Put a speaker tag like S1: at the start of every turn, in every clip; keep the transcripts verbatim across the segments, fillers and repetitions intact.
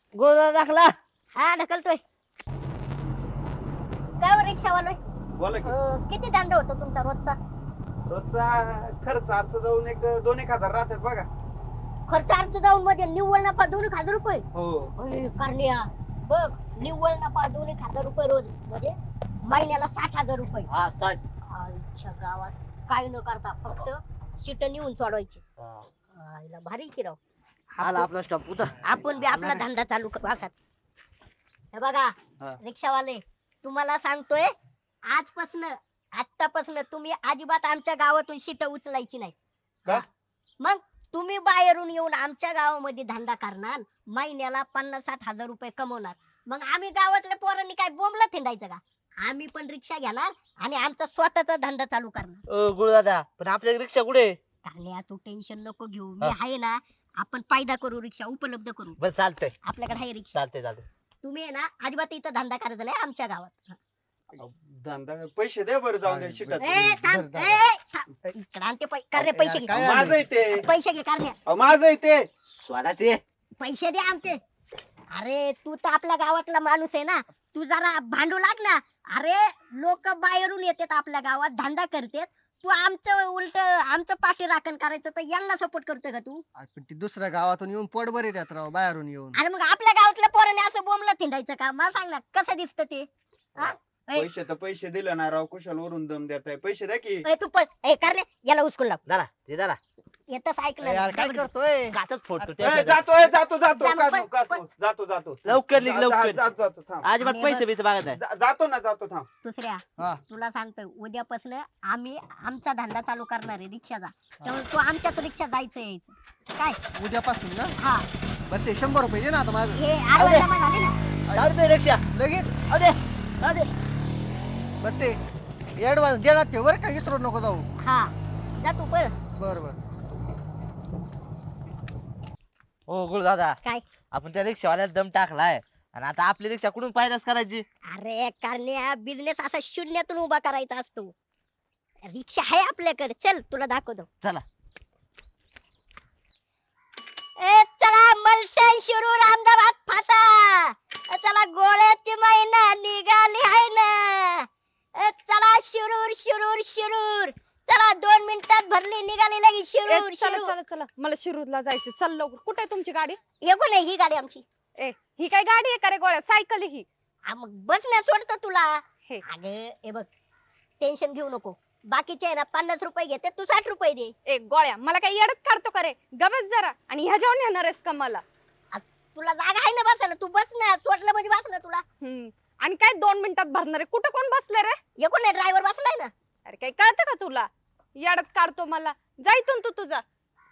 S1: गोदा दाखला.
S2: हा ढकलतोय. काय हो रिक्षावालोय?
S3: बोला की
S2: अं, किती दंड होतो तुमचा रोजचा?
S3: रोजचा खर्च आजचा जाऊन एक दोन एक हजार राहतात बघा.
S2: खर्च अर्ज जाऊन म्हणजे निव्वळ नफा दोन एक हजार रुपये?
S3: हो
S2: अरे करण्या बघ, निव्वळ नफा दोन एक हजार रुपये रोज म्हणजे महिन्याला साठ हजार रुपये.
S1: हा साठ.
S2: आईच्या गावात काय न करता फक्त सीट नेऊन सोडवायची. आईला भारी की राव.
S1: आला आपला स्टॉप उतर.
S2: आपण बी आपला धंदा चालू करू असाच. हे बघा
S3: हा.
S2: रिक्षावाले, तुम्हाला सांगतोय आजपासून आतापासून तुम्ही अजिबात आमच्या गावातून सीट उचलायची नाही.
S3: का?
S2: मग तुम्ही बाहेरून येऊन आमच्या गावामध्ये धंदा करणार, महिन्याला पन्नास साठ हजार रुपये कमवणार. मग आम्ही गावातल्या पोरांनी काय बोंबला थिंडायचं का? आम्ही पण रिक्षा घेणार आणि आमचा स्वतःचा धंदा चालू करणार.
S1: ओ गुरुदादा पण आपल्या रिक्षा कुठे?
S2: कारण्या तू टेन्शन नको घेऊ, मी आहे ना. आपण फायदा करू, रिक्षा उपलब्ध करू.
S1: बस चालतंय.
S2: आपल्याकडे आहे रिक्षा.
S1: चालतंय चालतंय.
S2: तुम्ही आहे ना अजिबात इथं धंदा करायचा नाही आमच्या गावात.
S3: धंदा पैसे दे बरं जाऊन द्या शिकत.
S2: ए थांब, ए थांब. इकडं आण ते पै- करण्या पैसे घे.
S4: काय
S3: माझं आहे ते
S2: पैसे घे करण्या.
S3: अहो, माझं आहे ते.
S1: स्वरा ते.
S2: पैसे दे आमचे. अरे तू तर आपल्या गावातला माणूस आहे ना, तू जरा भांडू लाग ना. अरे लोक बाहेरून येतात आपल्या गावात धंदा करतात, तू आमचं उलट आमचं पाठी राखण करायचं तर यांना सपोर्ट करतोय का तू?
S4: अरे पण ती दुसऱ्या गावातून येऊन पोटभर येतात राव बाहेरून येऊन.
S2: आणि मग आपल्या गावातल्या पोराने असं बोंबलं थिंडायचं का? मला सांग ना कसं दिसतं ते? हा? ए,
S3: पैसे तर पैसे दिले ना राव, कुशाल वरून दम देताय. पैसे द्या की.
S2: ए, तू पण ए करणे याला उचकून लाव.
S1: दादा ते दादा.
S2: येतच ऐकलं
S4: यार काय
S2: ना.
S4: करतोय?
S1: गातच फोडतो
S3: ए,
S1: त्या.
S3: जातो ए, जातो जातो
S2: जा,
S3: कासू,
S2: पण-
S3: कासू.
S2: पण-
S3: जातो जातो
S1: लवकर निघ,
S3: जा-
S1: लवकर.
S3: जा- जातो थांब.
S1: अजिबात
S2: आणि
S1: पैसे
S2: बघ-
S1: बिसे बघत नाही.
S3: जा- जातो ना जातो थांब.
S2: दुसऱ्या
S4: हा
S2: तुला सांगतोय उद्यापासून आम्ही आमचा धंदा चालू करणार आहे रिक्षाचा. त्यामुळे तू आमच्याच रिक्षा जायचं यायचं काय?
S4: उद्यापासून ना
S2: हा
S4: बस हे शंभर रुपये दे ना आता माझं
S2: हे आडवा जमा झाले ना.
S1: जाऊ दे रिक्षा.
S4: लगेच
S1: अरे अरे.
S4: बस ते ऍडव्हान्स देणार ठेव बरं का विसरू नको जाऊ.
S2: हा जा तू पळ.
S4: बर बर
S1: हो गुरुदादा
S2: काय?
S1: आपण त्या रिक्षावाल्याला दम टाकलाय आणि आता आपली रिक्षा कुठून पायदास करायची?
S2: अरे कारण्या बिझनेस असा शून्यातून उभा करायचा असतो. रिक्षा आहे आपल्याकडे, चल तुला दाखवतो.
S1: चला.
S2: ए चला मलटण शिरूर अहमदाबाद फाटा. ए, चला गोळ्याची महिना निघाली आहे ना. ए, चला शिरूर शिरूर शिरूर. चला दोन मिनिटात भरली निघाली लगी
S5: ए,
S2: शिरूर
S5: चला
S2: शिरूर.
S5: चला चला मला शिरूरला जायचं. चल लवकर. कुठे आहे तुमची गाडी?
S2: येऊ नाही ही गाडी आमची.
S5: ए ही काय गाडी आहे का रे गोळ्या? सायकल आहे ही.
S2: हा, मग बस ना सोडतो तुला.
S5: हे
S2: अगं हे बघ टेन्शन घेऊ नको. बाकीचे आहे ना पन्नास रुपये घेते, तू साठ रुपये दे.
S5: ए गोळ्या मला काय येडत काढतो का रे? गबस जरा. आणि ह्या जेवण येणार आहेस का मला?
S2: तुला जागा आहे ना बसायला, तू बस ना. सोडलं म्हणजे बस ना तुला.
S5: हम्म आणि काय दोन मिनिटात भरणार आहे? कुठं कोण बसलं रे?
S2: एकूण नाही ड्रायव्हर बसलाय ना.
S5: अरे काय कळतं का तुला? येडत काढतो मला. जायतून तू तुझा.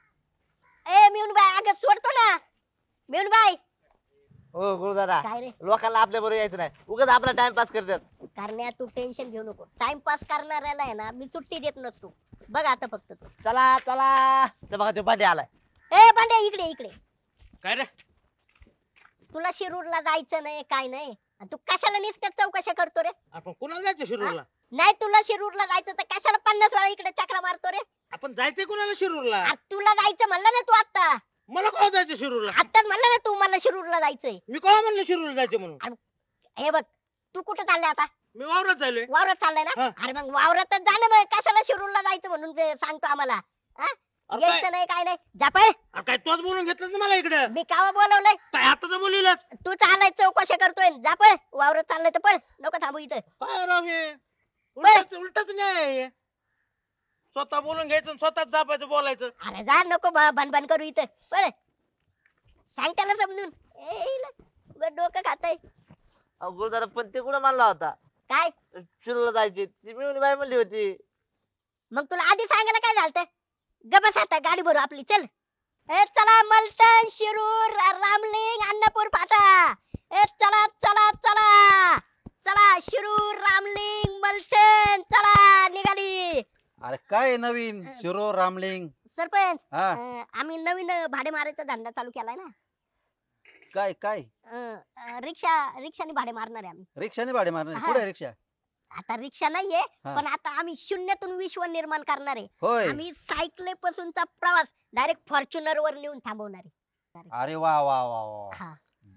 S2: ए मिळून बाय अगं सोडतो ना. मिळून बाय.
S1: हो गुरुदादा
S2: काय रे
S1: लोकांना आपल्या बरोबर यायचं नाही, उगाच आपला टाइमपास करतात.
S2: करण्या तू टेन्शन घेऊ नको. टाइमपास करणाऱ्याला आहे ना मी सुट्टी देत नसतो. बघ आता फक्त तू.
S1: चला चला. ते बघा तो पाठी आलाय.
S2: ए बांड्या इकडे इकडे.
S1: काय रे?
S2: तुला शिरूरला जायचं नाही काय नाही, आणि तू कशाला नुसत्या चौकशा करतो रे?
S6: आपण कुणाला जायचं शिरूरला?
S2: नाही तुला शिरूरला जायचं तर कशाला पन्नास वेळा इकडे चक्रा मारतो रे?
S6: आपण जायचंय कुणाला शिरूरला?
S2: आ, तुला जायचं म्हणलं ना तू आता.
S6: मला का जायचं शिरूरला?
S2: आताच म्हणलं ना तू मला शिरूरला जायचंय.
S6: मी का म्हणलं शिरूरला जायचं म्हणून?
S2: हे बघ तू कुठे चाललाय आता?
S6: मी वावरात जायलोय.
S2: वावरात चाललाय ना.
S6: हा.
S2: अरे मग वावरातच जाणं, मग कशाला शिरूरला जायचं म्हणून ते सांगतो आम्हाला. हा?
S6: अरे काय-
S2: यायचं नाही काय नाही. जा पळ.
S6: अरे काय तोच बोलून घेतलं ना मला इकडे?
S2: मी कावा बोलवलंय?
S6: काय आता तर बोलिलच.
S2: तू चालाय चौकशा करतोय. जा पळ. वावरात चाललंय तर पळ. नको थांबू इथं.
S6: काय राव हे? उलटच उलटच नाही आहे हे. स्वतः बोलून घ्यायचं आणि स्वतःच जापायचं बोलायचं.
S2: अरे जा नको ब- भनभन करू इथं. पळ. सांग त्याला समजून. ए, इला, उगाच डोकं खाताय
S1: अहो, गुरुदादा पण ते कुठं मानला होता
S2: काय?
S1: शिरूरला जायची? ती मिळून बाई म्हणली होती.
S2: मग तुला आधी सांगायला काय झालं? गबस आता गाडी भरू आपली. चल. ए चला मलटण शिरूर रामलिंग अन्नपूर फाटा. ए चला चला चला चला शिरूर रामलिंग मलटण चला निघाली.
S7: अरे काय नवीन शिरो रामलिंग?
S2: सरपंच
S7: हा
S2: अं, आम्ही नवीन भाडे मारायचा धंदा चालू केलाय ना.
S7: काय काय
S2: अं, अं, रिक्षा रिक्षाने भाडे मारणार आहे आम्ही.
S7: रिक्षाने भाडे मारणार
S2: हा.
S7: कुठे रिक्षा?
S2: आता रिक्षा नाहीये,
S7: हा.
S2: पण आता आम्ही शून्यातून विश्व निर्माण करणार आहे.
S7: होय.
S2: आम्ही सायकले पासूनचा प्रवास डायरेक्ट फॉर्च्युनर वर नेऊन थांबवणार आहे.
S7: अरे वा वा वा वा
S2: हा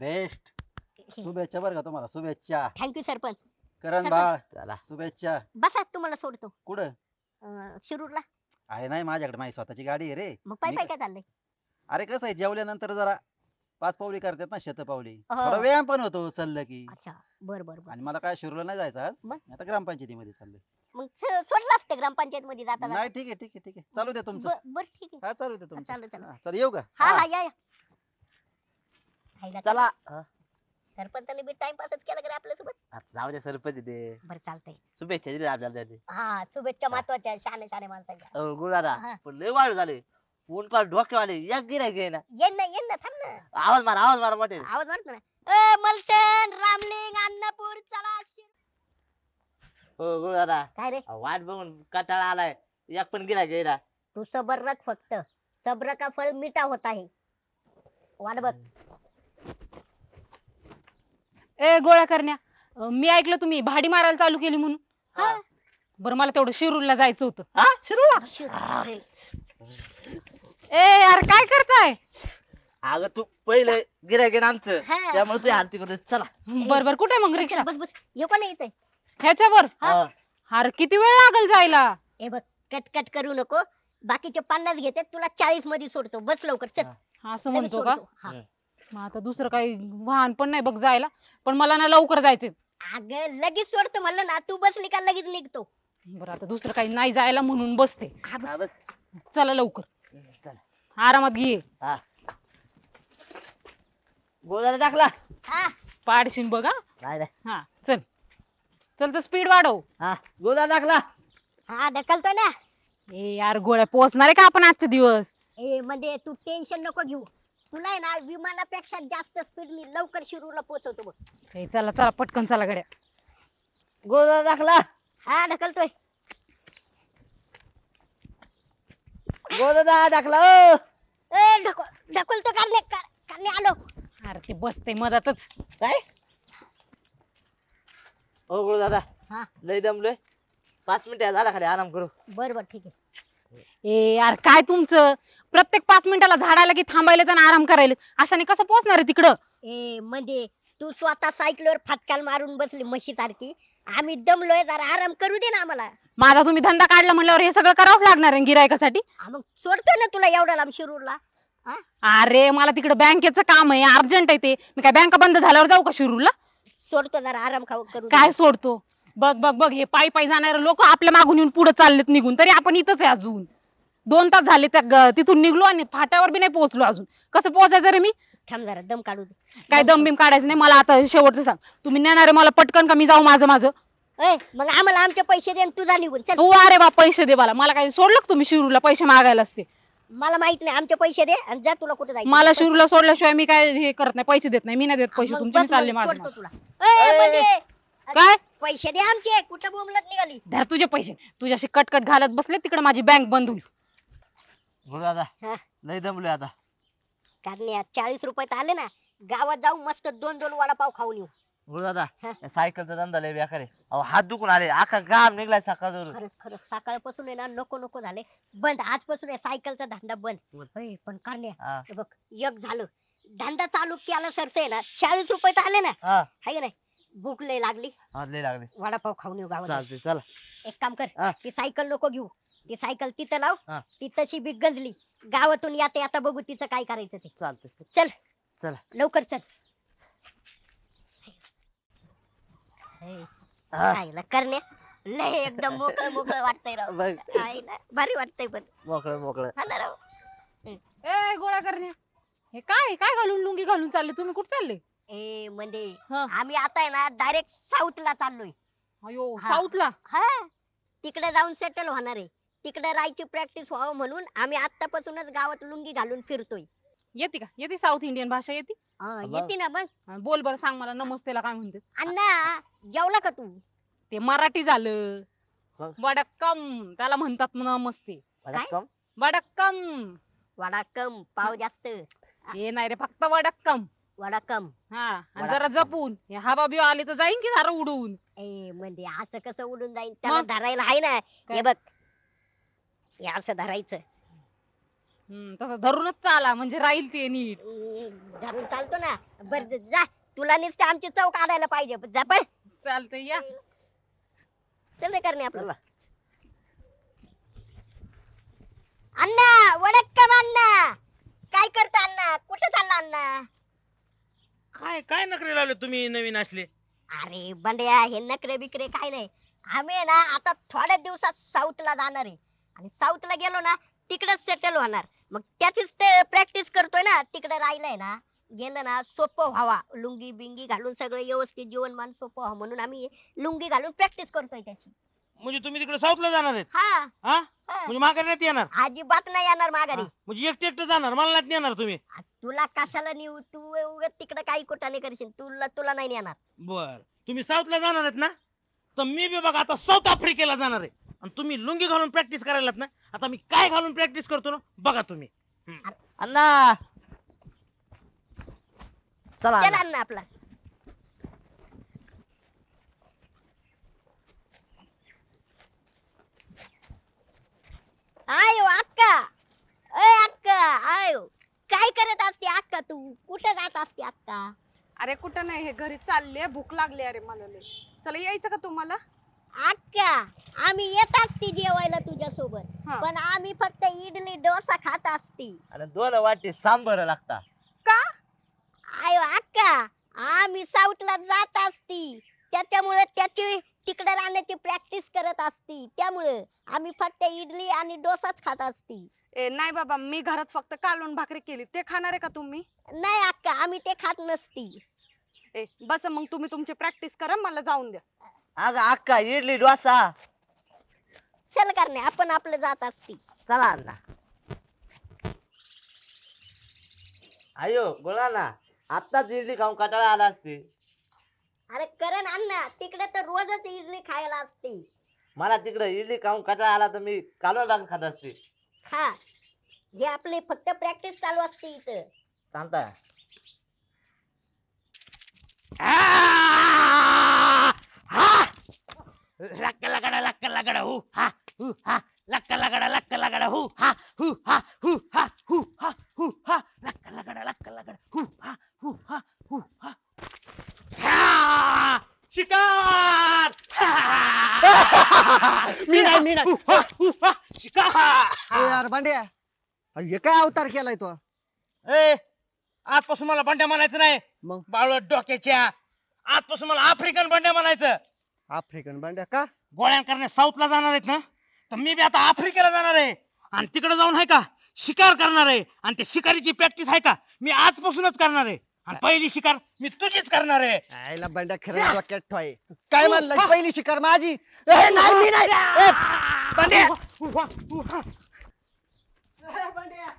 S7: बेस्ट शुभेच्छा बरं का तुम्हाला, शुभेच्छा.
S2: थँक्यू सरपंच.
S7: करण बाळ
S1: चला
S7: शुभेच्छा.
S2: बसा तुम्हाला सोडतो
S7: कुठं?
S2: अं, शिरूरला.
S7: आहे नाही माझ्याकडे, माझी स्वतःची गाडी आहे रे.
S2: मग पाय
S7: मी
S2: पाय
S7: क-
S2: काय चाललंय?
S7: अरे कसं आहे, जेवल्यानंतर जरा पाच पावली करतात ना, शतपावली,
S2: हो.
S7: थोडा व्यायाम पण होतो चाललं की.
S2: अच्छा बर बर बर.
S7: आणि मला काय शिरूरला नाही जायचं आज,
S2: मग?
S7: मी आता ग्रामपंचायतीमध्ये चाललोय.
S2: मग स- सोडलं असतं ग्रामपंचायत मध्ये जाता
S7: नाही ठीक आहे ठीक आहे ठीक आहे, चालू द्या तुमचं.
S2: ब- बर ठीक आहे.
S7: हा चालू द्या तुमचं.
S2: चालेल, चालेल.
S7: हा, चल येऊ का?
S2: हा
S7: हा.
S2: हा या या. हायला
S1: चला
S2: का? सरपंचाने बी टाइमपासच केला का आपल्यासोबत?
S1: आता जाऊ द्या सरपंच ते
S2: बरं चालतंय.
S1: शुभेच्छा दिल्या आपल्याला त्याने.
S2: हा शुभेच्छा महत्वाच्या शाने शाने माणसाच्या.
S1: अहो, गुरुदादा
S2: हा.
S1: पण लय वाढ झाले, ऊन पार डोक्यावाले एक गिराय घे ना.
S2: येन ना येन ना थांब ना.
S1: आवाज मारा आवाज मारा मोठे.
S2: आवाज मारतो ना. ए मलटण रामलिंग अन्नपूर चला. शिर-
S1: हो गुरुदादा
S2: काय रे
S1: अहो, वाट बघून कंटाळा आलाय, एक पण गिराय घे ना.
S2: तू सबर रख फक्त. सब्र का फल मीठा होता है. वाट बघ.
S5: ए गोळ्या करण्या, अं, मी ऐकलं तुम्ही भाडी मारायला चालू केली म्हणून.
S1: हा.
S5: बरं मला तेवढं शिरूरला जायचं होतं.
S1: हा शिरूला.
S2: शिर-
S5: ए यार काय करताय?
S1: अगं तू पहिले गिराय घे ना आमचं,
S2: हा.
S1: त्यामुळे तू आरती करतो. चला
S5: बर बर कुठे मग
S2: चल,
S5: रिक्षा?
S2: चल, बस बस ये कोण येते?
S5: ह्याच्यावर?
S1: हा.
S5: अरे किती वेळ लागल जायला?
S2: ए बघ कट कट करू नको. बाकीचे पन्नास घेते तुला चाळीस मध्ये सोडतो. बस लवकर चल.
S5: असं
S2: लगेच
S5: म्हणतो का?
S2: सोडतो. हा.
S5: मग आता दुसरं काही वाहन पण नाही बघ जायला, पण मला ना लवकर जायचंय.
S2: अगं लगेच सोडतो म्हणलं ना. तू बसली का लगेच निघतो.
S5: बरं आता दुसरं काही नाही जायला म्हणून बसते.
S2: हा,
S1: हा,
S2: बस.
S1: बस
S5: चला लवकर,
S1: चला.
S5: आरामात घे.
S1: हा गुरुदादा टाकला.
S2: हा
S5: पाडशीन बघ हा.
S1: नाही नाही.
S5: हा चल चल तर स्पीड वाढव.
S1: हा गुरुदादा टाकला.
S2: हा ढकलतो ना.
S5: ए यार गोळ्या पोहोचणार आहे का आपण आजचे दिवस?
S2: ए म्हणजे तू टेन्शन नको घेऊ. तुला आहे ना विमानापेक्षा जास्त स्पीडनी लवकर शिरूरला पोहोचवतो बघ.
S5: ए, चला चला पटकन चला गड्या.
S1: गुरुदादा टाकला.
S2: हा ढकलतोय.
S1: गुरुदादा टाकला. ओ.
S2: ए ढकल ढकलतो करणे करणे आलो.
S5: अरे ते बसते मधातच.
S1: काय ओ गुरुदादा
S2: हा
S1: लय दमलोय, पाच मिनिटं झाला खाली आराम करू.
S2: बर बर ठीक आहे.
S5: ए यार काय तुमचं प्रत्येक पाच मिनिटाला झाडायला की थांबायला आणि आराम करायला, अशाने कसं पोहोचणार आहे तिकडं?
S2: ए म्हणजे तू स्वतः सायकलवर फटकाल मारून बसली म्हशी सारखी. आम्ही दमलोय जरा आराम करू दे ना आम्हाला.
S5: माझा तुम्ही धंदा काढला म्हणल्यावर हे सगळं करावंच लागणार आहे गिरायकासाठी.
S2: हा, मग सोडतोय ना तुला एवढ्या लांब शिरूरला. हा
S5: अरे मला तिकडे बँकेचं काम आहे, अर्जंट आहे ते. मी काय बँका बंद झाल्यावर जाऊ का शिरूरला?
S2: सोडतो जरा आराम खाऊ करू दे.
S5: काय सोडतो? बघ बघ बघ हे पायी पायी जाणारे लोक आपल्या मागून येऊन पुढे चाललेत निघून, तरी आपण इथंच आहे अजून. दोन तास झाले त्या ग- तिथून निघलो आणि फाट्यावर बी नाही पोहोचलो अजून. कसं पोहोचायचं रे मी?
S2: थांब जरा दम काढू दे.
S5: काय दम बिम काढायचं नाही मला. आता शेवटचं सांग, तुम्ही नेणार आहे मला पटकन का मी जाऊ माझं माझं?
S2: ए मग आम्हाला आमचे पैसे दे आणि तुझा निघून चल.
S5: तू अरे बा पैसे दे मला. मला काय सोडलं का तुम्ही शिरूरला पैसे मागायला असते?
S2: मला माहित नाही. आमचे पैसे दे आणि जा तुला कुठे जायचं.
S5: मला शिरूरला सोडल्याशिवाय मी काय हे करत नाही, पैसे देत नाही. मी नाही देत पैसे
S2: मग
S5: तुमचे, मी
S2: बस
S5: चालले
S2: मग
S5: माझं
S2: सोडतो
S5: माझं.
S2: तुला. ए, म्हणजे
S5: काय?
S2: पैसे दे आमचे. कुठं बोंबलत निघाली.
S5: धर तुझे पैसे. तुझ्याशी कटकट घालत बसले तिकडे माझी बँक बंद होईल.
S1: गुरुदादा
S2: हा
S1: लय दमलोय आता.
S2: कारण चाळीस रुपयात आले ना गावात जाऊ मस्त दोन दोन वडापाव खाऊन येऊ.
S1: गुरुदादा
S2: हा.
S1: या सायकलचा धंदा लय बेकार आहे. अहो हात दुखून आले, अख्खा गाव निघलाय सकाळ.
S2: खरंच खरंच सकाळपासून आहे ना नको नको झाले. बंद आजपासून आहे सायकलचा धंदा बंद.
S1: बंद.
S2: होय, पण करण्या
S1: हा
S2: हे बघ एक झालं धंदा चालू केला सरसे आहे ना चाळीस रुपयात आले ना.
S1: हा
S2: हाय का नाही. भूक लय लागली.
S1: हा, लय लागले.
S2: वडापाव खाऊन येऊ गावात.
S1: चालते चला.
S2: एक काम कर
S1: हा.
S2: ती सायकल नको घेऊ. ती सायकल तिथं लाव.
S1: हा.
S2: ती तशी बी गंजली. गावातून याते आता बघू तिचं काय करायचं ते.
S1: चालते
S2: चल
S1: चला.
S2: लवकर चल. हे,
S1: हा.
S2: आईला करण्या लय एकदम मोकळ मोकळ वाटतंय राव.
S1: बघ
S2: आईला भारी वाटतंय पण.
S1: मोकळं मोकळं.
S2: हा ना राव.
S5: ए गोळा करण्या, हे काय काय घालून लुंगी घालून चालले तुम्ही? कुठे चालले?
S2: ए म्हणजे
S5: हा.
S2: आम्ही आता आहे ना डायरेक्ट साऊथ ला चाललोय.
S5: अयो
S2: हा.
S5: साऊथला?
S2: हा तिकडे जाऊन सेटल होणार आहे. तिकडे राहायची प्रॅक्टिस व्हावं म्हणून आम्ही आतापासूनच गावात लुंगी घालून फिरतोय.
S5: येते का? येते साऊथ इंडियन भाषा येते?
S2: हा,
S1: मग?
S2: येते ना मग.
S5: हा, बोल बरं, सांग मला नमस्तेला काय म्हणते.
S2: अण्णा जेवला का तू?
S5: ते मराठी झालं.
S1: मग?
S5: वडक्कम त्याला म्हणतात नमस्ते.
S1: वडक्कम.
S5: वडक्कम.
S2: वडाकम पाव जास्त.
S5: हे नाही रे, फक्त वडक्कम.
S2: वडाकम.
S5: हा आणि
S1: वडाक्कम.
S5: जरा जपून. हे हवा बिवा आली तर जाईन की झालं उडून.
S2: ए म्हणजे असं कसं उडून जाईल? त्याला
S5: मग?
S2: धरायला आहे ना.
S5: काय?
S2: हे बघ हे असं धरायचं.
S5: हम्म, तसं धरूनच चाला म्हणजे राहील ते नीट.
S2: हम्म, धरून चालतो ना. बर जा, तुला नुसतं आमची चव काढायला पाहिजे. जा पण.
S5: चालतंय या.
S2: चल रे करणे आपलं. अण्णा वडक्कम अण्णा, काय करता अण्णा? कुठे चालला अण्णा?
S6: काय काय नखरे लावले तुम्ही नवीन असले?
S2: अरे बंड्या, हे नखरे बिकरे काय नाही. आम्ही आहे ना आता थोड्या दिवसात साऊथला जाणार आहे आणि साऊथला गेलो ना तिकडेच सेटल होणार. मग त्याचीच ते प्रॅक्टिस करतोय ना. तिकडे राहिलंय ना, गेलं ना सोपं व्हावा, लुंगी बिंगी घालून सगळं व्यवस्थित जीवनमान सोपं व्हावं म्हणून आम्ही लुंगी घालून प्रॅक्टिस करतोय त्याची.
S6: म्हणजे तुम्ही तिकडे साऊथला जाणार आहेत?
S2: हा
S6: हा
S2: हा.
S6: म्हणजे माघारी नाही येणार?
S2: अजिबात नाही येणार माघारी.
S6: हा, म्हणजे एकटे एकटे जाणार, मला नाही येणार तुम्ही?
S2: आ, तुला कशाला नेऊ? तू उगाच तिकडे काही कुठाने करशील. तुला तुला नाही नेणार.
S6: बर, तुम्ही साऊथला जाणार आहेत ना, तर मी बी बघा आता साऊथ आफ्रिकेला जाणार आहे. आणि तुम्ही लुंगी घालून प्रॅक्टिस करायलात ना, आता मी काय घालून प्रॅक्टिस करतो ना बघा तुम्ही.
S1: अण्णा चला
S2: चल
S1: अण्णा.
S2: अण्णा आपला. आयो अक्का, अय अक्का, आयो काय करत असते अक्का? तू कुठं जात असते अक्का?
S5: अरे कुठं नाही, हे घरी चालले, भूक लागली अरे मला लय. चला यायचं का तुम्हाला?
S2: अक्का, आम्ही येत असती जेवायला तुझ्या सोबत,
S5: हा.
S2: पण आम्ही फक्त इडली डोसा खात असती.
S1: आणि दोन वाटी सांबर लागता.
S5: का?
S2: आयो अक्का, आम्ही साऊथला जात असती, त्याच्यामुळे त्याची तिकडे राहण्याची प्रॅक्टिस करत असती. त्यामुळे आम्ही फक्त इडली आणि डोसाच खात असती.
S5: ए नाही बाबा, मी घरात फक्त कालवण भाकरी केली, ते खाणार आहे का तुम्ही?
S2: नाही अक्का, आम्ही ते खात नसती.
S5: ए बस मग, तुम्ही तुमची प्रॅक्टिस करा, मला जाऊन द्या.
S1: अगं अक्का इडली डोसा.
S2: चल करणे, आपण आपलं जात असती.
S1: चला अण्णा. अयो बोला ना, आत्ताच इडली खाऊन कंटाळा आला असते.
S2: अरे करण अण्णा, तिकडे तर रोजच इडली खायला असते.
S1: मला तिकडे इडली खाऊन कंटाळा आला तर मी कालवण भाकर खात असते.
S2: हा, हे आपली फक्त प्रॅक्टिस चालू असते इथं.
S1: सांगता
S6: लक्क लगडा लक्क लगडा हु हा हु हा लक्क लगडा लक्क लगडा हु हा हु हा हु हा हु हा हु हा लक्क लगडा लक्क लगडा हु हा हु हा हु हा हा! शिकार
S4: मी नाही मी नाही.
S6: हु हा हु हा शिकार.
S4: ए यार भांड्या, अरे हे काय अवतार केलाय तो?
S6: ए आजपासून मला बंड्या म्हणायचं नाही,
S4: मग
S6: बाळवट डोक्याच्या. आजपासून मला आफ्रिकन बंड्या म्हणायचं.
S4: आफ्रिकन भांड्या का?
S6: गोळ्या करण्या साऊथला जाणार आहेत ना, तर मी बी आता आफ्रिकेला जाणार आहे आणि तिकडे जाऊन आहे का शिकार करणार आहे. आणि त्या शिकारीची प्रॅक्टिस आहे का मी आजपासूनच करणार आहे. आणि पहिली शिकार मी तुझीच करणार आहे.
S4: आयला भांड्या खरं डोक्यात ठोय. काय म्हणलं, पहिली शिकार माझी? ए, नाही मी नाही. ए, भांड्या.
S6: उभा, उभा.
S4: भांड्या.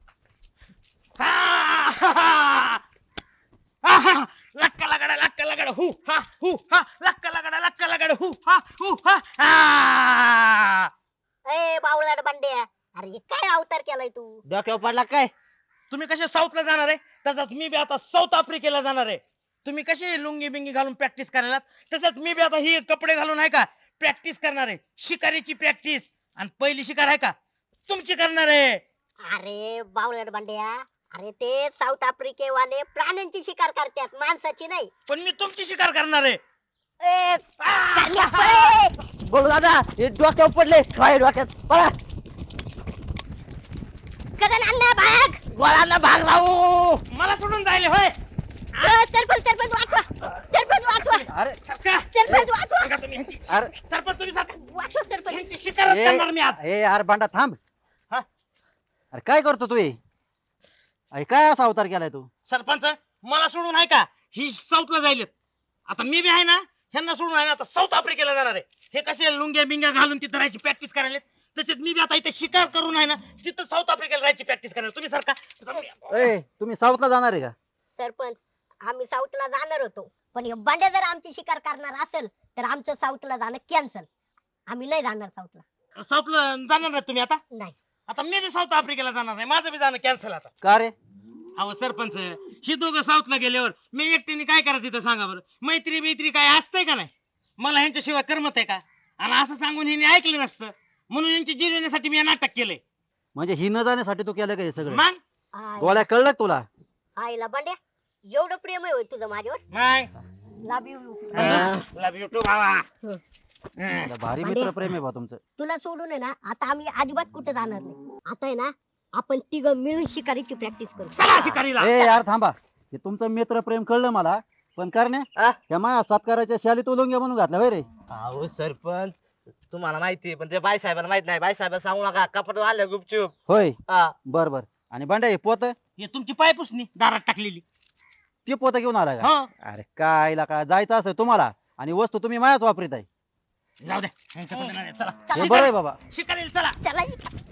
S6: हा, हा, हा. आहा, लक्का लगडा लक्का लगडा हु हा हु हा लक्का लगडा लक्का लगडा हु हा हु हा आ.
S2: ए बावळाट बंड्या, अरे हे काय अवतार केलाय तू?
S1: डोक्यावर पडला काय?
S6: तुम्ही कसे साऊथला जाणार आहे, तसंच मी बी आता साऊथ आफ्रिकेला जाणार आहे. तुम्ही कसे लुंगी बिंगी घालून प्रॅक्टिस करायला, तसंच मी बी आता ही कपडे घालून आहे का प्रॅक्टिस करणार आहे. शिकारीची प्रॅक्टिस. आणि पहिली शिकार आहे का तुमची करणार आहे.
S2: अरे बावळाट बंड्या, अरे ते साऊथ आफ्रिकेवाले प्राण्यांची शिकार करतात, माणसाची नाही.
S6: पण मी तुमची शिकार करणार आहे.
S2: ए, करण्या, पळे.
S1: बोल दादा, हे डोक्यावर पडले. ठोय डोक्यात पळा.
S2: करण अण्णा भाग.
S1: गोळ्यांना भाग लावू.
S6: मला सोडून जायले होय.
S2: अ, सरपंच सरपंच वाचवा, सरपंच वाचवा,
S1: अरे
S6: सरका
S2: सरपंच वाचवा,
S6: सरका तुम्ही ह्यांची
S7: अरे
S6: सरपंच तुम्ही सरका
S2: वाचवा सरपंच.
S6: ह्यांची शिकारच
S7: ए,
S6: करणार मी आज.
S7: ए यार भांडा थांब.
S6: हा?
S7: अरे काय करतो तू हे? अरे काय असा अवतार केलाय तू?
S6: सरपंच मला सोडून आहे का ही साऊथला जायलेत. आता मी बी आहे ना ह्यांना सोडून आहे ना आता साऊथ आफ्रिकेला जाणार आहे. हे कसे लुंग्या बिंग्या घालून तिथं राहायची प्रॅक्टिस करायला, तसेच मी बी आता इथे शिकार करून आहे ना तिथं साऊथ आफ्रिकेला राहायची प्रॅक्टिस करणार. तुम्ही सारखा
S7: ए तुम्ही साऊथला जाणार आहे का?
S2: सरपंच, आम्ही साऊथला जाणार होतो, पण हे बंड्या जर आमची शिकार करणार असेल तर आमचं साऊथला जाणं कॅन्सल. आम्ही नाही जाणार साऊथला.
S6: साऊथला जाणार नाही तुम्ही आता.
S2: नाही.
S6: आता मी बी साऊथ आफ्रिकेला जाणार नाही, माझं बी जाणं कॅन्सल आता.
S7: का रे?
S6: अहो सरपंच, ही दोघं साऊथला गेल्यावर मी एकटीने काय करायचं तिथं सांगा बरं. मैत्री मैत्री काय असतंय का नाही. मला ह्यांच्याशिवाय करमत आहे का. आणि असं सांगून हिने ऐकलं नसतं, म्हणून यांची जिरवण्यासाठी मी हे नाटक केलंय.
S7: म्हणजे ही न जाण्यासाठी तू केलं का हे सगळं?
S6: मग
S2: आय-
S7: गोळ्या कळलं का तुला?
S2: आईला बंड्या एवढं प्रेम आहे होय तुझं माझ्यावर.
S6: मग
S2: love you.
S6: Love you too भावा.
S7: आता भारी
S2: भांडे.
S7: मित्र प्रेम आहे बा तुमचं.
S2: तुला सोडून आहे ना आता आम्ही अजिबात कुठे जाणार नाही. आता आहे ना आपण तिघ मिळून शिकारीची प्रॅक्टिस करू.
S6: चला शिकारीला.
S7: ए यार थांबा, हे तुमचं मित्र प्रेम कळलं मला, पण करण्या
S1: आ?
S7: त्या माझ्या सत्काराच्या शालीत उलंग्या म्हणून घातल्या होय रे.
S1: अहो सरपंच तुम्हाला माहिती पण ते बाई साहेबांना माहित नाही. बाई साहेबांना सांगू नका कपडे आले गुपचूप.
S7: होय
S1: हा.
S7: बर बर. आणि भांड्या हे पोत,
S6: हे तुमची पाय पुसणी दारात टाकलेली.
S7: ते पोत घेऊन आला का?
S6: हो
S7: अरे काय का जायचं असं तुम्हाला आणि वस्तू तुम्ही माझ्याच वापरीत आहे.
S6: जाऊ दे यांच्या पद्धतीने चला
S7: हे बरं आहे बाबा.
S6: शिकारीला चला.
S2: चला